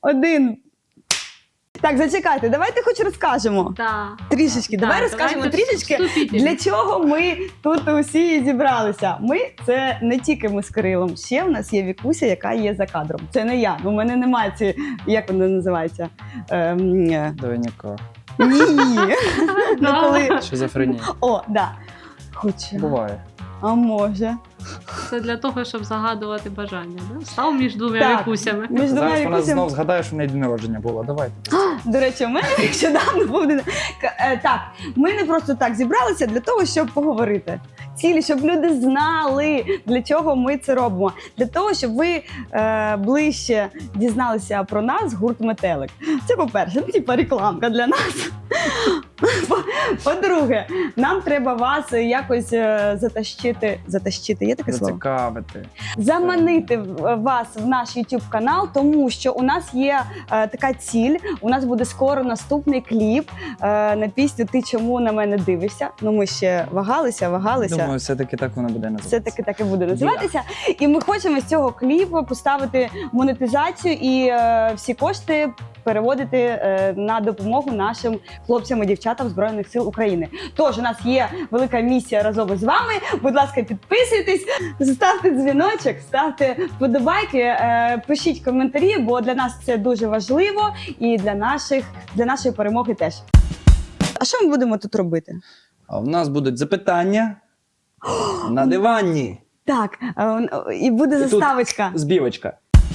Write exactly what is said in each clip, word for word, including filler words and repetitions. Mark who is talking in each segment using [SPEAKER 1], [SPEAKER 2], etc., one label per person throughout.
[SPEAKER 1] один. Так, зачекайте, давайте хоч розкажемо.
[SPEAKER 2] Да.
[SPEAKER 1] Трішечки,
[SPEAKER 2] Да,
[SPEAKER 1] давай розкажемо
[SPEAKER 2] давайте
[SPEAKER 1] трішечки,
[SPEAKER 2] вступіть.
[SPEAKER 1] для чого ми тут усі зібралися. Ми – це не тільки ми з Кирилом, ще в нас є Вікуся, яка є за кадром. Це не я, у мене немає ці, як вона називається? Ем, е,
[SPEAKER 3] Двойника.
[SPEAKER 1] ні. Ну, коли...
[SPEAKER 3] Шизофренія.
[SPEAKER 1] О, да. Хоча,
[SPEAKER 3] Буває.
[SPEAKER 1] а може.
[SPEAKER 2] Це для того, щоб загадувати бажання. Да? Став між двома
[SPEAKER 1] Так.
[SPEAKER 2] вікусями.
[SPEAKER 1] Між двома
[SPEAKER 3] Зараз вона
[SPEAKER 1] Вікусями.
[SPEAKER 3] знов згадає, що в неї день народження було. Давайте.
[SPEAKER 1] До речі, у мене нещодавно був день. К- е, Так, ми не просто так зібралися для того, щоб поговорити. Цілі, щоб люди знали, для чого ми це робимо. Для того, щоб ви е, ближче дізналися про нас, гурт «Метелик». Це по-перше, ну, типа рекламка для нас. По- По-друге, нам треба вас якось е, затащити. Затащити, є таке слово?
[SPEAKER 3] Зацікавити.
[SPEAKER 1] Заманити в- вас в наш YouTube канал, тому що у нас є е, така ціль. У нас буде скоро наступний кліп е, на пісню «Ти чому на мене дивишся?». Ну ми ще вагалися, вагалися.
[SPEAKER 3] Думаю, все-таки так воно буде називатися.
[SPEAKER 1] Все таки так і буде називатися. І ми хочемо з цього кліпу поставити монетизацію і е, всі кошти переводити е, на допомогу нашим хлопцям і дівчатам Збройних сил України. Тож у нас є велика місія разом з вами. Будь ласка, підписуйтесь, ставте дзвіночок, ставте вподобайки, е, пишіть коментарі, бо для нас це дуже важливо і для наших для нашої перемоги теж. А що ми будемо тут робити?
[SPEAKER 3] А в нас будуть запитання на дивані.
[SPEAKER 1] Так, е, і буде
[SPEAKER 3] І тут
[SPEAKER 1] заставочка.
[SPEAKER 3] Збівочка.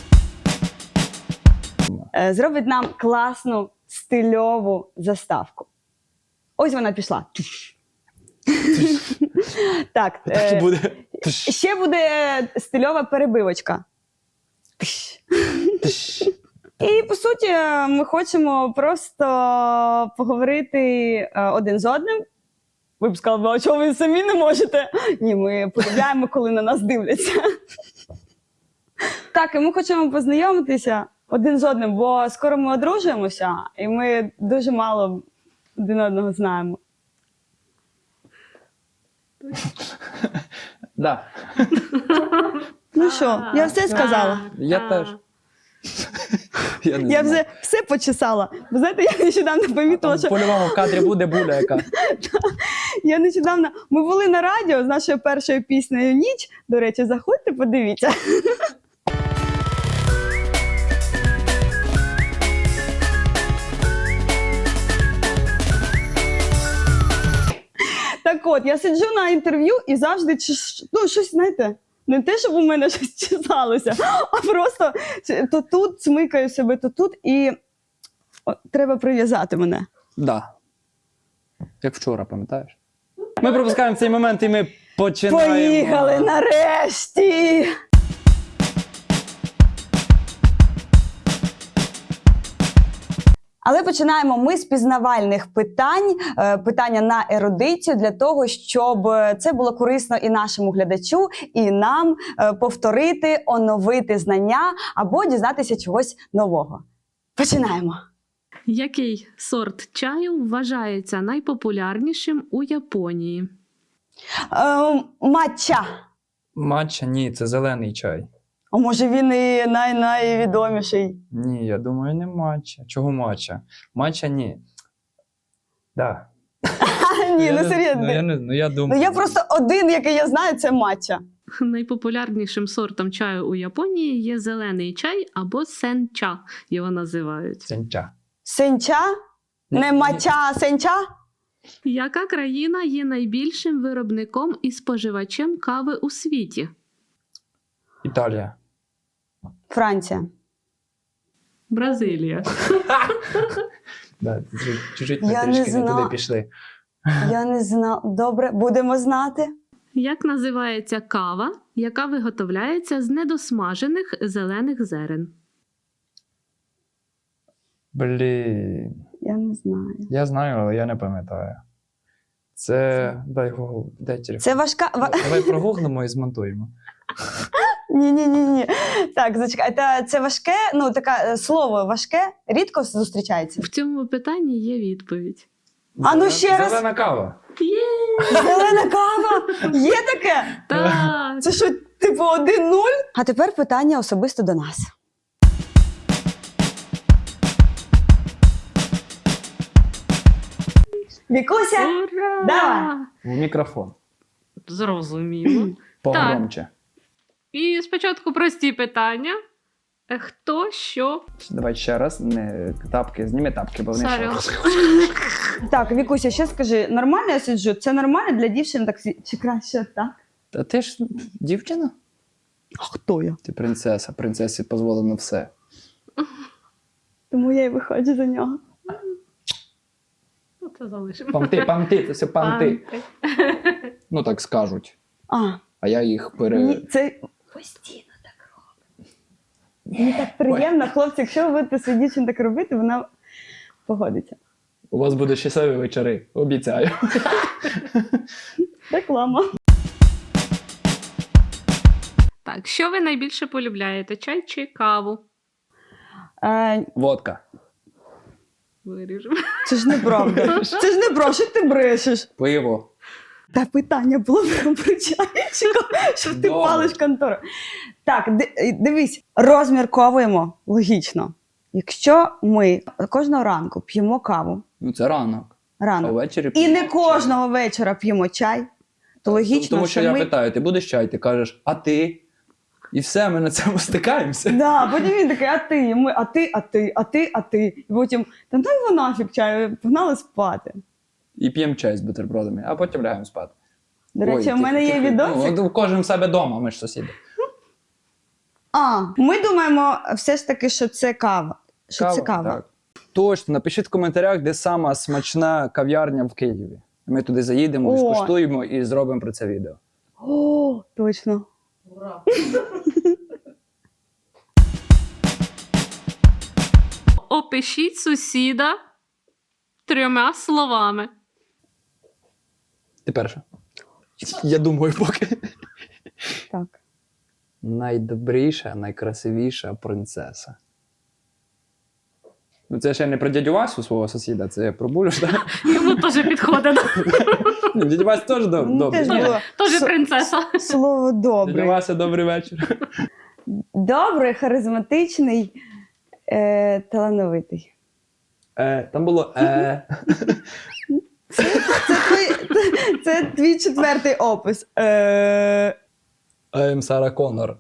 [SPEAKER 1] Е, Зробить нам класну стильову заставку. Ось вона пішла. Так,
[SPEAKER 3] Так і
[SPEAKER 1] е,
[SPEAKER 3] буде.
[SPEAKER 1] ще буде стильова перебивочка. І, по суті, ми хочемо просто поговорити е, один з одним. Ви б сказали, а чого ви самі не можете? Ні, ми полюбляємо, коли на нас дивляться. Так, і ми хочемо познайомитися один з одним, бо скоро ми одружуємося, і ми дуже мало один одного знаємо.
[SPEAKER 3] Да.
[SPEAKER 1] Ну що, я все сказала.
[SPEAKER 3] Я
[SPEAKER 2] Так.
[SPEAKER 3] теж. Я не
[SPEAKER 1] Я
[SPEAKER 3] знаю.
[SPEAKER 1] вже все почесала. Ви знаєте, я нещодавно помітила,
[SPEAKER 3] Там
[SPEAKER 1] що
[SPEAKER 3] по-любому в кадрі буде буля яка.
[SPEAKER 1] я нещодавно... Ми були на радіо з нашою першою піснею «Ніч». До речі, заходьте, подивіться. Так от, я сиджу на інтерв'ю і завжди, чеш- ну, щось, знаєте, не те, щоб у мене щось чесалося, а просто то тут смикаю себе, то тут, і о, треба прив'язати мене.
[SPEAKER 3] Да. Як вчора, пам'ятаєш? Ми пропускаємо цей момент і ми починаємо.
[SPEAKER 1] Поїхали нарешті! Але починаємо ми з пізнавальних питань, е, питання на ерудицію, для того, щоб це було корисно і нашому глядачу, і нам е, повторити, оновити знання або дізнатися чогось нового. Починаємо.
[SPEAKER 2] Який сорт чаю вважається найпопулярнішим у Японії?
[SPEAKER 1] Е, матча.
[SPEAKER 3] Матча? Ні, це зелений чай.
[SPEAKER 1] А може він і най- найвідоміший?
[SPEAKER 3] Ні, я думаю, не матча. Чого матча? Матча ні. Да.
[SPEAKER 1] Ні,
[SPEAKER 3] Я
[SPEAKER 1] ну
[SPEAKER 3] не-
[SPEAKER 1] серйозно.
[SPEAKER 3] Ну я, не, ну, я
[SPEAKER 1] Ну
[SPEAKER 3] думаю.
[SPEAKER 1] я просто один, який я знаю, це матча.
[SPEAKER 2] Найпопулярнішим сортом чаю у Японії є зелений чай або сенча, його називають.
[SPEAKER 3] Сенча.
[SPEAKER 1] Сенча? Не
[SPEAKER 3] Ні,
[SPEAKER 1] матча, а сенча?
[SPEAKER 2] Яка країна є найбільшим виробником і споживачем кави у світі?
[SPEAKER 3] Італія.
[SPEAKER 1] Франція.
[SPEAKER 2] Бразилія.
[SPEAKER 3] Да, чуть- чуть-чуть
[SPEAKER 1] Я
[SPEAKER 3] ми
[SPEAKER 1] не
[SPEAKER 3] трішки не
[SPEAKER 1] зна-
[SPEAKER 3] туди пішли.
[SPEAKER 1] Я не знала. Добре, будемо знати.
[SPEAKER 2] Як називається кава, яка виготовляється з недосмажених зелених зерен?
[SPEAKER 3] Блін.
[SPEAKER 1] Я не знаю.
[SPEAKER 3] Я знаю, але я не пам'ятаю. Це. Дай Google, дай телефон.
[SPEAKER 1] Це важка. ва-
[SPEAKER 3] Давай прогуглимо і змонтуємо.
[SPEAKER 1] Ні, ні, ні, ні. Так, зачекай. Та це важке, ну таке е, слово важке, рідко зустрічається.
[SPEAKER 2] В цьому питанні є відповідь.
[SPEAKER 1] А ну
[SPEAKER 3] Зелена-
[SPEAKER 1] ще раз.
[SPEAKER 3] Зелена кава.
[SPEAKER 2] Є!
[SPEAKER 1] Зелена кава! Є таке?
[SPEAKER 2] Так!
[SPEAKER 1] Це що, типу, один нуль? А тепер питання особисто до нас. Вікуся,
[SPEAKER 2] Ура!
[SPEAKER 1] давай.
[SPEAKER 3] В мікрофон.
[SPEAKER 2] Зрозуміло.
[SPEAKER 3] Погромче.
[SPEAKER 2] І спочатку прості питання. Е, Хто, що?
[SPEAKER 3] Давай ще раз. Не тапки, зніми тапки, бо вони
[SPEAKER 2] Сорі.
[SPEAKER 3] ще.
[SPEAKER 1] Так, Вікуся, ще скажи, нормально я сиджу? Це нормально для дівчини так сі- чи краще так?
[SPEAKER 3] Та ти ж дівчина?
[SPEAKER 1] А хто я?
[SPEAKER 3] Ти принцеса, принцесі дозволено все.
[SPEAKER 1] Тому я і виходжу за нього.
[SPEAKER 2] Ну, це залишимо.
[SPEAKER 3] Памти, памти, це все памти.
[SPEAKER 2] Памти.
[SPEAKER 3] Ну так скажуть.
[SPEAKER 1] А,
[SPEAKER 3] А я їх пере...
[SPEAKER 1] ні, це постійно так робить. Мені так приємно, хлопці, якщо ви будете свій дівчин так робити, вона погодиться.
[SPEAKER 3] У вас будуть щасливі вечори, обіцяю.
[SPEAKER 1] Реклама.
[SPEAKER 2] Так, що ви найбільше полюбляєте? Чай чи каву?
[SPEAKER 1] Е,
[SPEAKER 3] Водка.
[SPEAKER 2] Виріжемо.
[SPEAKER 1] це ж неправда. Це ж неправда, що ти брешеш?
[SPEAKER 3] Пиво.
[SPEAKER 1] Та питання було про чай, що ти
[SPEAKER 3] Добре.
[SPEAKER 1] палиш контору. Так, ди- дивись, розмірковуємо логічно. Якщо ми кожного ранку п'ємо каву,
[SPEAKER 3] Ну це ранок. А
[SPEAKER 1] рано,
[SPEAKER 3] ввечері
[SPEAKER 1] і
[SPEAKER 3] п'ємо
[SPEAKER 1] не
[SPEAKER 3] чай.
[SPEAKER 1] кожного вечора п'ємо чай, то логічно,
[SPEAKER 3] Тому що,
[SPEAKER 1] що
[SPEAKER 3] я
[SPEAKER 1] ми...
[SPEAKER 3] питаю, ти будеш чай? Ти кажеш, а ти? І все, ми на цьому стикаємося.
[SPEAKER 1] Да, потім він такий, а ти, і ми, а ти, а ти, а ти, а ти. І потім, та дай його нафіг чаю, погнали спати.
[SPEAKER 3] І п'ємо чай з бутербродами, а потім лягаємо спати.
[SPEAKER 1] До речі,
[SPEAKER 3] Ой,
[SPEAKER 1] у мене
[SPEAKER 3] тихо,
[SPEAKER 1] є
[SPEAKER 3] тихо.
[SPEAKER 1] відосик.
[SPEAKER 3] Ну, кожен в себе вдома, ми ж сусіди.
[SPEAKER 1] А, ми думаємо все ж таки, що це кава. Що це кава.
[SPEAKER 3] Так. Точно, напишіть в коментарях, де сама смачна кав'ярня в Києві. Ми туди заїдемо,
[SPEAKER 1] О.
[SPEAKER 3] скуштуємо і зробимо про це відео.
[SPEAKER 1] О, точно.
[SPEAKER 2] Опишіть сусіда трьома словами.
[SPEAKER 3] Ти перша. Я думаю, поки.
[SPEAKER 1] Так.
[SPEAKER 3] Найдобріша, найкрасивіша принцеса. Ну, це ще не про дядю Васю, свого сусіда, це про Булю. ж, так?
[SPEAKER 2] Йому теж підходить.
[SPEAKER 3] Ні, дядя Вася теж доб-
[SPEAKER 1] Мені
[SPEAKER 3] добрий.
[SPEAKER 1] теж
[SPEAKER 3] Ні,
[SPEAKER 1] було
[SPEAKER 2] Теж
[SPEAKER 1] с-
[SPEAKER 2] принцеса.
[SPEAKER 1] слово
[SPEAKER 3] Дядя
[SPEAKER 1] добрий.
[SPEAKER 3] Вася, добрий вечір.
[SPEAKER 1] Добрий, харизматичний, е, талановитий.
[SPEAKER 3] Е, там було е.
[SPEAKER 1] Це твій, це твій четвертий опис. Е,
[SPEAKER 3] I'm Сара Коннор.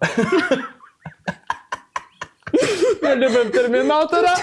[SPEAKER 3] Я любив Термінатора.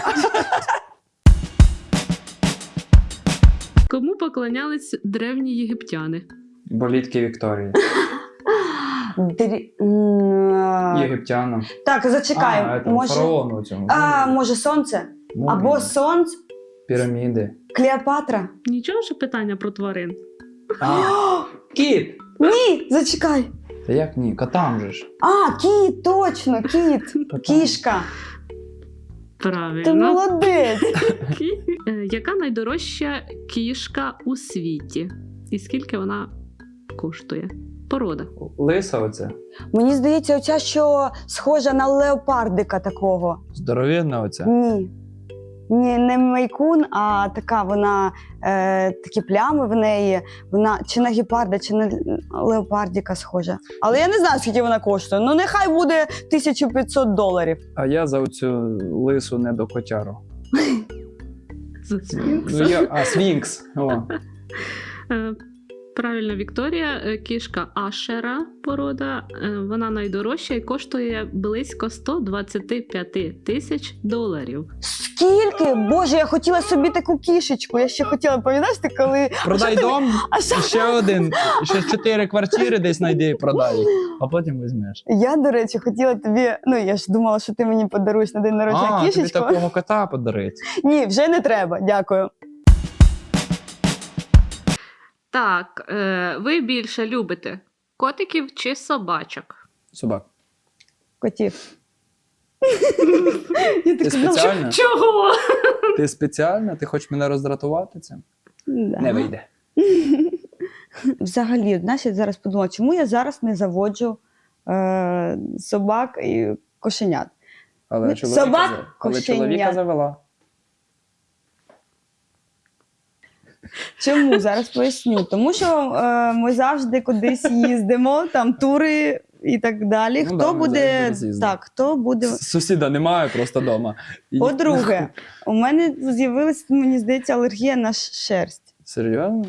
[SPEAKER 2] Кому поклонялись древні єгиптяни?
[SPEAKER 3] Болітки Вікторії.
[SPEAKER 1] дрі- м,
[SPEAKER 3] Єгиптянам.
[SPEAKER 1] Так, зачекай.
[SPEAKER 3] А, там,
[SPEAKER 1] може,
[SPEAKER 3] фараону цьому.
[SPEAKER 1] а, може сонце?
[SPEAKER 3] Мумії,
[SPEAKER 1] Або сонце,
[SPEAKER 3] піраміди.
[SPEAKER 1] Клеопатра?
[SPEAKER 2] Нічого, що питання про тварин.
[SPEAKER 3] А, кіт!
[SPEAKER 1] Ні, зачекай.
[SPEAKER 3] Та як ні? Котам же ж.
[SPEAKER 1] А, кіт, точно, кіт.
[SPEAKER 3] Котам.
[SPEAKER 1] Кішка. Ти
[SPEAKER 2] Правильно.
[SPEAKER 1] молодець.
[SPEAKER 2] Е, Яка найдорожча кішка у світі? І скільки вона коштує? Порода.
[SPEAKER 3] Лиса оце.
[SPEAKER 1] Мені здається, оця, що схожа на леопардика такого.
[SPEAKER 3] Здоровенна оця.
[SPEAKER 1] Ні. Ні, не майкун, а така вона, е, такі плями в неї. Вона чи на гепарда, чи на леопардіка схожа. Але я не знаю, скільки вона коштує. Ну, нехай буде тисяча п'ятсот доларів.
[SPEAKER 3] А я за оцю лису не до котяру.
[SPEAKER 2] За сфінкса.
[SPEAKER 3] Ну, я... А, Свінкс. О.
[SPEAKER 2] Е, Правильно, Вікторія, Е, кішка Ашера порода. Е, Вона найдорожча і коштує близько сто двадцять п'ять тисяч доларів.
[SPEAKER 1] Скільки? Боже, я хотіла собі таку кішечку. Я ще хотіла, пам'ятаєш, ти коли...
[SPEAKER 3] Продай
[SPEAKER 1] А що ти-
[SPEAKER 3] дом,
[SPEAKER 1] А що?
[SPEAKER 3] ще один, ще чотири квартири десь знайди, продай їх, а потім візьмеш.
[SPEAKER 1] Я, до речі, хотіла тобі... Ну, я ж думала, що ти мені подаруєш на день народження
[SPEAKER 3] А, тобі
[SPEAKER 1] кішечку.
[SPEAKER 3] такого кота подарить.
[SPEAKER 1] Ні, вже не треба, дякую.
[SPEAKER 2] Так, е, ви більше любите котиків чи собачок?
[SPEAKER 3] Собак.
[SPEAKER 1] Котів. Я
[SPEAKER 3] Ти
[SPEAKER 1] так знала, що-
[SPEAKER 3] спеціально?
[SPEAKER 2] Чого?
[SPEAKER 3] Ти спеціально? Ти хочеш мене роздратувати цим?
[SPEAKER 1] Да.
[SPEAKER 3] Не вийде.
[SPEAKER 1] Взагалі, знаєш, я зараз подумала, чому я зараз не заводжу е, собак і кошенят.
[SPEAKER 3] Але
[SPEAKER 1] Ну,
[SPEAKER 3] чоловіка,
[SPEAKER 1] собак,
[SPEAKER 3] за- але
[SPEAKER 1] кошеня.
[SPEAKER 3] чоловіка завела.
[SPEAKER 1] Чому? Зараз поясню. Тому що е, ми завжди кудись їздимо, там тури і так далі.
[SPEAKER 3] Ну
[SPEAKER 1] Хто
[SPEAKER 3] да, ми
[SPEAKER 1] буде
[SPEAKER 3] завжди десь їздимо.
[SPEAKER 1] так, хто буде.
[SPEAKER 3] С- Сусіда немає просто вдома. І-
[SPEAKER 1] По-друге, у мене з'явилась, мені здається, алергія на ш- шерсть.
[SPEAKER 3] Серйозно?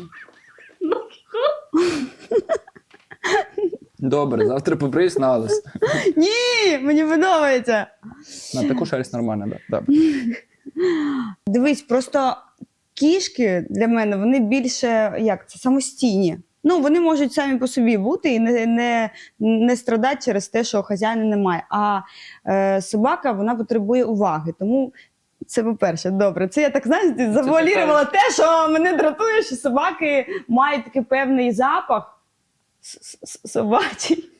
[SPEAKER 3] Добре, завтра побриюсь на лис.
[SPEAKER 1] Ні, мені подобається.
[SPEAKER 3] На таку шерсть нормально, так. Да. Добре.
[SPEAKER 1] Дивись, просто кішки для мене, вони більше, як це, самостійні. Ну, вони можуть самі по собі бути і не, не, не страдати через те, що хазяїна немає. А е, собака, вона потребує уваги. Тому це, по-перше, добре. Це я так, знаєш, завуалірувала те, що мене дратує, що собаки мають такий певний запах собачий.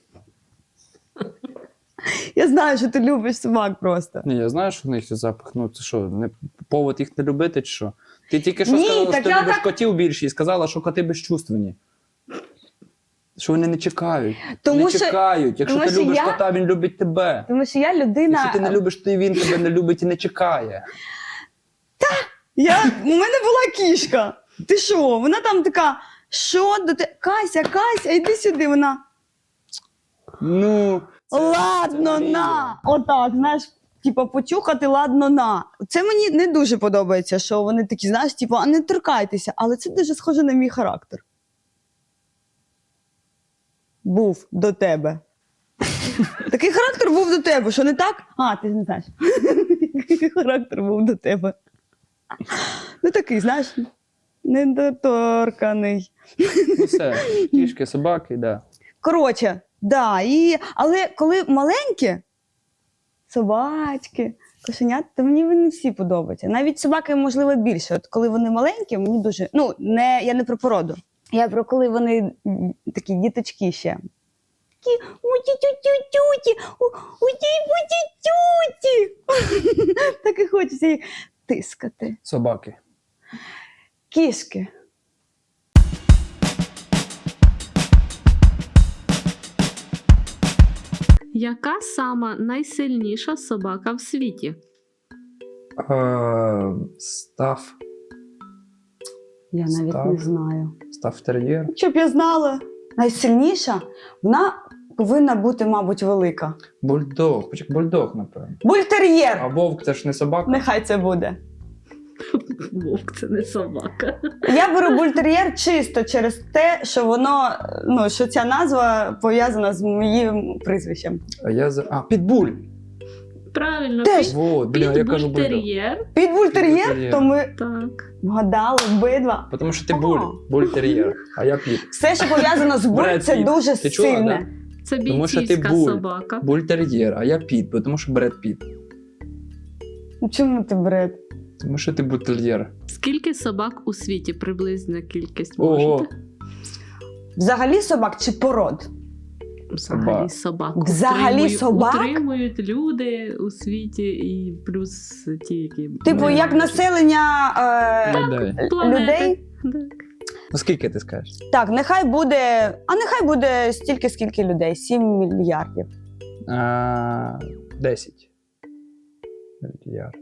[SPEAKER 1] Я знаю, що ти любиш собак просто.
[SPEAKER 3] Ні, я знаю, що в них є запах. Ну, це що, не повод їх не любити чи що? Ти тільки що
[SPEAKER 1] Ні,
[SPEAKER 3] сказала,
[SPEAKER 1] так
[SPEAKER 3] що ти
[SPEAKER 1] я
[SPEAKER 3] любиш
[SPEAKER 1] так-
[SPEAKER 3] котів більше і сказала, що коти безчувственні. Що вони не чекають.
[SPEAKER 1] Тому
[SPEAKER 3] не
[SPEAKER 1] що-
[SPEAKER 3] чекають. Якщо
[SPEAKER 1] тому
[SPEAKER 3] ти
[SPEAKER 1] що
[SPEAKER 3] любиш
[SPEAKER 1] я-
[SPEAKER 3] кота, він любить тебе.
[SPEAKER 1] Тому що я людина.
[SPEAKER 3] Якщо ти не любиш, то і він тебе не любить і не чекає.
[SPEAKER 1] Я... У мене була кішка. Ти що? Вона там така, що до те? Кася, Кася, йди сюди. Вона.
[SPEAKER 3] Ну, це-
[SPEAKER 1] Ладно,
[SPEAKER 3] це
[SPEAKER 1] на. Отак, знаєш, типу, почухати, ладно, на. Це мені не дуже подобається, що вони такі, знаєш, типу, а не торкайтеся, але це дуже схоже на мій характер. Був до тебе. Такий характер був до тебе, що не так? А, ти не знаєш. Який характер був до тебе. Ну такий, знаєш, недоторканий.
[SPEAKER 3] Ну все, кішки, собаки, да.
[SPEAKER 1] Коротше, да, і... але коли маленькі собачки, кошенята, то мені вони всі подобаються. Навіть собаки, можливо, більше. От коли вони маленькі, мені дуже. Ну, не, я не про породу. Я про коли вони м, такі діточки ще. Такі у-ті-тю-тю-тюті, у-ті-тюті. Так і хочеться їх тискати.
[SPEAKER 3] Собаки.
[SPEAKER 1] Кішки.
[SPEAKER 2] Яка сама найсильніша собака в світі?
[SPEAKER 3] Е, Став.
[SPEAKER 1] Я навіть
[SPEAKER 3] Став.
[SPEAKER 1] не знаю.
[SPEAKER 3] Став тер'єр.
[SPEAKER 1] Щоб я знала, найсильніша, вона повинна бути, мабуть, велика.
[SPEAKER 3] Бульдог. Почек, бульдог, напевно. А
[SPEAKER 1] Бультер'єр!
[SPEAKER 3] вовк це ж не собака.
[SPEAKER 1] Нехай це буде.
[SPEAKER 2] Вовк це не собака.
[SPEAKER 1] Я беру бультер'єр чисто через те, що воно, ну, що ця назва пов'язана з моїм прізвищем.
[SPEAKER 3] А я за. А, підбуль.
[SPEAKER 2] Правильно,
[SPEAKER 1] Теж.
[SPEAKER 2] під,
[SPEAKER 3] Вот, бля, я кажу бульдог.
[SPEAKER 2] підбультер'єр.
[SPEAKER 1] Під бультер'єр,
[SPEAKER 3] Бультер'єр.
[SPEAKER 1] то ми
[SPEAKER 2] Так.
[SPEAKER 1] вгадали обидва.
[SPEAKER 3] Тому що ти
[SPEAKER 1] О.
[SPEAKER 3] буль, буль-тер'єр, а я піт.
[SPEAKER 1] Все, що пов'язано з буль,
[SPEAKER 3] Бред
[SPEAKER 1] це
[SPEAKER 3] Піт.
[SPEAKER 1] дуже
[SPEAKER 3] Ти чула,
[SPEAKER 1] сильне.
[SPEAKER 2] Це
[SPEAKER 3] Тому що ти
[SPEAKER 2] бійцівська
[SPEAKER 3] буль.
[SPEAKER 2] собака.
[SPEAKER 3] Буль-тер'єр, а я піт, бо тому що Бред Піт.
[SPEAKER 1] Ну, чому ти бред?
[SPEAKER 3] Тому що ти бультер'єр.
[SPEAKER 2] Скільки собак у світі? Приблизна кількість
[SPEAKER 3] Ого.
[SPEAKER 2] можете?
[SPEAKER 1] Взагалі собак чи пород?
[SPEAKER 2] Взагалі
[SPEAKER 3] Собак.
[SPEAKER 2] собак.
[SPEAKER 1] Взагалі
[SPEAKER 2] Утримують-
[SPEAKER 1] собак?
[SPEAKER 2] Утримують люди у світі і плюс ті, які...
[SPEAKER 1] Типу,
[SPEAKER 2] не
[SPEAKER 1] як
[SPEAKER 2] мають.
[SPEAKER 1] населення е,
[SPEAKER 3] Людей.
[SPEAKER 2] Планети.
[SPEAKER 1] людей?
[SPEAKER 2] Так.
[SPEAKER 3] Ну скільки ти скажеш?
[SPEAKER 1] Так, нехай буде. А нехай буде стільки, скільки людей. сім мільярдів.
[SPEAKER 3] А, десять. Мільярд.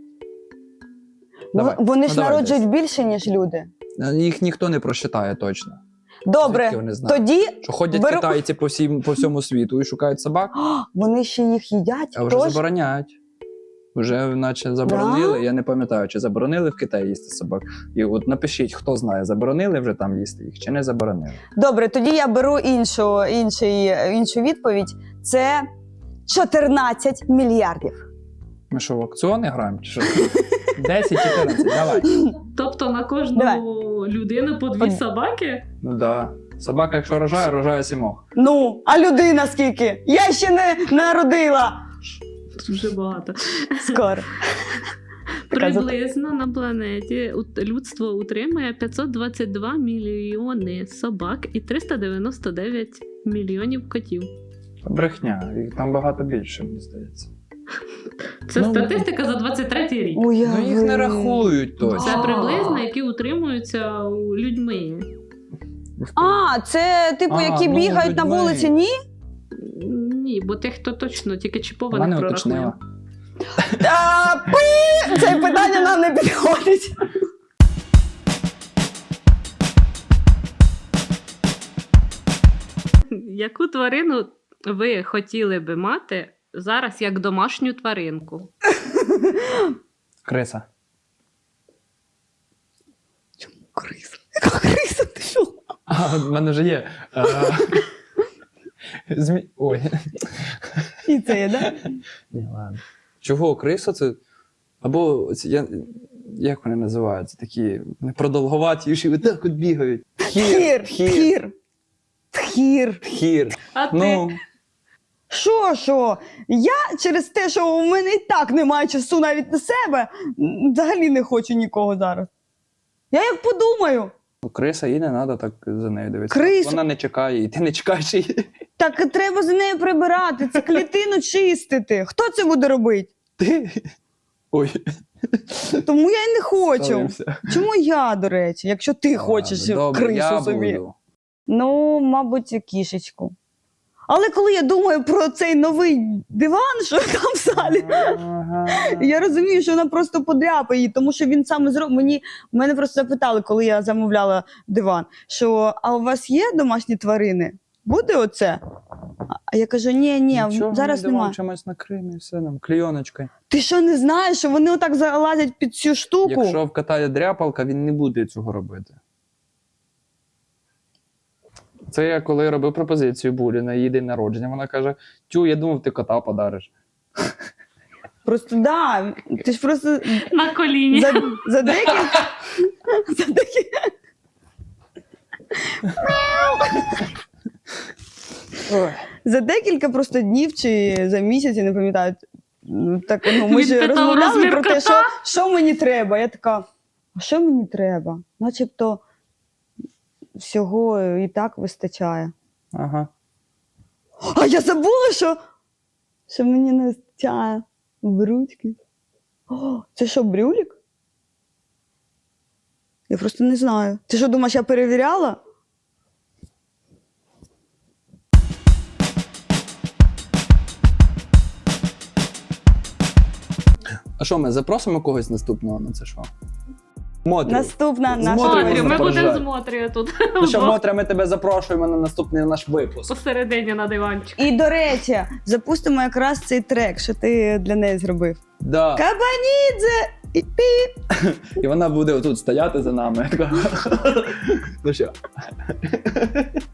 [SPEAKER 1] Ну,
[SPEAKER 3] Давай.
[SPEAKER 1] вони
[SPEAKER 3] Ну,
[SPEAKER 1] ж
[SPEAKER 3] давай
[SPEAKER 1] народжують більше, ніж люди.
[SPEAKER 3] Їх ніхто не просчитає точно.
[SPEAKER 1] Добре,
[SPEAKER 3] Звідки вони знають?
[SPEAKER 1] тоді
[SPEAKER 3] Що ходять
[SPEAKER 1] Беру-
[SPEAKER 3] китайці по, всім, по всьому світу і шукають собак,
[SPEAKER 1] О, вони ще їх їдять.
[SPEAKER 3] а вже
[SPEAKER 1] Тож,
[SPEAKER 3] забороняють. Вже наче заборонили, я не пам'ятаю, чи заборонили в Китаї їсти собак. І от напишіть, хто знає, заборонили вже там їсти їх, чи не заборонили.
[SPEAKER 1] добре, тоді я беру іншу, інший, іншу відповідь. Це чотирнадцять мільярдів.
[SPEAKER 3] Ми що, в аукціони граємо? Чи що? десять-чотирнадцять, давай.
[SPEAKER 2] Тобто на кожну
[SPEAKER 1] Давай.
[SPEAKER 2] людину по дві
[SPEAKER 1] Од-
[SPEAKER 2] собаки?
[SPEAKER 3] Ну да. Собака, якщо рожає, рожає сімох.
[SPEAKER 1] Ну, а людина скільки? Я ще не народила.
[SPEAKER 2] Дуже багато.
[SPEAKER 1] Скоро. Така за-
[SPEAKER 2] Приблизно на планеті ут- людство утримує п'ятсот двадцять два мільйони собак і триста дев'яносто дев'ять мільйонів котів.
[SPEAKER 3] Брехня, їх там багато більше, мені здається.
[SPEAKER 2] Це
[SPEAKER 3] Ну,
[SPEAKER 2] статистика за двадцять третій рік.
[SPEAKER 1] Уяви.
[SPEAKER 3] Ну їх не рахують
[SPEAKER 2] Це
[SPEAKER 3] точно.
[SPEAKER 1] А.
[SPEAKER 2] приблизно, які утримуються у людьми.
[SPEAKER 1] А, це типу,
[SPEAKER 3] А,
[SPEAKER 1] які
[SPEAKER 3] ну,
[SPEAKER 1] бігають на
[SPEAKER 3] людьми.
[SPEAKER 1] вулиці, ні?
[SPEAKER 2] Ні, бо тих, хто точно тільки
[SPEAKER 3] Вона
[SPEAKER 2] чіпованих
[SPEAKER 3] не
[SPEAKER 2] прорахує.
[SPEAKER 3] уточнила.
[SPEAKER 1] А, пи! Це питання нам не підходить.
[SPEAKER 2] Яку тварину ви хотіли би мати зараз як домашню тваринку?
[SPEAKER 3] Криса.
[SPEAKER 1] Криса. Яка криса?
[SPEAKER 3] А, в мене вже є. Е, Змі... Ой.
[SPEAKER 1] І це є, да?
[SPEAKER 3] Ні, ладно. Чого? Криса це? Або ці- я... як вони називаються? Такі вони продовговаті, і так от бігають.
[SPEAKER 1] Тхір, тхір, тхір.
[SPEAKER 3] Тхір.
[SPEAKER 2] А ти?
[SPEAKER 3] Ну,
[SPEAKER 1] Що, що? Я через те, що у мене і так немає часу навіть на себе, м, взагалі не хочу нікого зараз. Я як подумаю,
[SPEAKER 3] криса, їй не треба так за нею дивитися.
[SPEAKER 1] Крису?
[SPEAKER 3] Вона не чекає, і ти не чекаєш її.
[SPEAKER 1] так треба за нею прибирати, це клітину чистити. Хто це буде робити?
[SPEAKER 3] Ти? Ой.
[SPEAKER 1] Тому я й не хочу.
[SPEAKER 3] Ставимося.
[SPEAKER 1] Чому я, до речі, якщо ти хочеш
[SPEAKER 3] Ладно, добре,
[SPEAKER 1] крису
[SPEAKER 3] я
[SPEAKER 1] собі?
[SPEAKER 3] буду.
[SPEAKER 1] Ну, мабуть, кішечку. Але коли я думаю про цей новий диван, що там в залі,
[SPEAKER 3] Ага.
[SPEAKER 1] я розумію, що вона просто подряпає її, тому що він саме зробив. Мені мене просто запитали, коли я замовляла диван, що а у вас є домашні тварини? Буде оце? А я кажу: ні, ні,
[SPEAKER 3] Нічого,
[SPEAKER 1] зараз
[SPEAKER 3] ми йдемо
[SPEAKER 1] немає.
[SPEAKER 3] чимось накриємо і все нам, клейоночкою.
[SPEAKER 1] Ти що не знаєш, що вони отак залазять під цю штуку?
[SPEAKER 3] Якщо вкатає дряпалка, він не буде цього робити. Це я коли робив пропозицію Булі на її день народження, вона каже: тю, я думав, ти кота подариш.
[SPEAKER 1] Просто да, ти ж просто
[SPEAKER 2] На коліні.
[SPEAKER 1] за, за декілька. За декілька.
[SPEAKER 3] Ой.
[SPEAKER 1] За декілька просто днів чи за місяць, я не пам'ятаю. ну, Так, ну, ми
[SPEAKER 2] Він
[SPEAKER 1] ж
[SPEAKER 2] питав
[SPEAKER 1] розмовляли
[SPEAKER 2] розмір
[SPEAKER 1] про те,
[SPEAKER 2] кота?
[SPEAKER 1] що, що мені треба. Я така, а що мені треба? Начебто всього і так вистачає.
[SPEAKER 3] Ага.
[SPEAKER 1] А я забула, що, що мені не вистачає брючки. О, це що, брюлік? Я просто не знаю. Ти що, думаєш, я перевіряла?
[SPEAKER 3] А що, ми запросимо когось наступного на це шоу? Мотрю.
[SPEAKER 1] Наступна
[SPEAKER 3] З
[SPEAKER 1] наша
[SPEAKER 3] Мотрю
[SPEAKER 2] Мотрю, ми
[SPEAKER 3] можна
[SPEAKER 2] будемо
[SPEAKER 3] поржати.
[SPEAKER 2] з Мотрію тут.
[SPEAKER 3] Ну що, Мотря, ми тебе запрошуємо на наступний наш випуск.
[SPEAKER 2] Посередині на диванчик.
[SPEAKER 1] І, до речі, запустимо якраз цей трек, що ти для неї зробив.
[SPEAKER 3] Да.
[SPEAKER 1] Кабанідзе! І пі!
[SPEAKER 3] І вона буде отут стояти за нами. Така. Ну що?